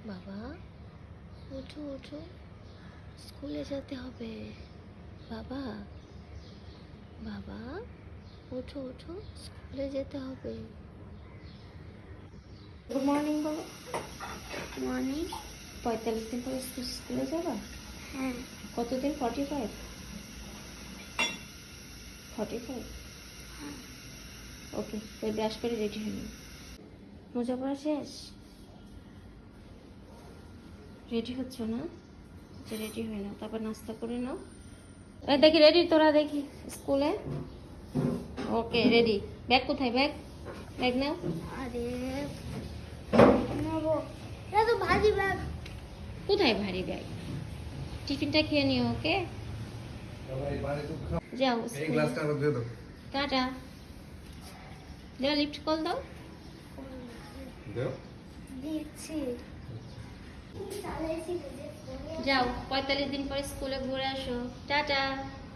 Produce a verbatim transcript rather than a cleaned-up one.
বাবা ওঠো ওঠো, স্কুলে যেতে হবে। বাবা বাবা ওঠো ওঠো, স্কুলে যেতে হবে। গুড মর্নিং বলো। মর্নিং। পঁয়তাল্লিশ দিন পরে স্কুলে যাবা? হ্যাঁ। কতদিন? Forty five forty five okay, তো ব্রাশ করে রেডি হয়ে নিও। মোজা পরা শেষ? রেডি হচ্ছ না? যে রেডি হয়ে নাও, তারপর নাস্তা করে নাও। এই দেখি রেডি তোরা, দেখি স্কুলে। Okay ready. ব্যাগ কোথায়? ব্যাগ ব্যাগ নাও। আরে নেবো, এটা তো ভারী ব্যাগ। কোথায় ভারী ব্যাগ? টিফিনটা খেয়ে নিও। ওকে যাও। এই গ্লাসটা আবার দিয়ে দাও। টাটা। দাও, লিফট কল দাও। দাও। দিচ্ছি। যাও, পঁয়তাল্লিশ দিন পরে স্কুলে ঘুরে আসো। টাটা।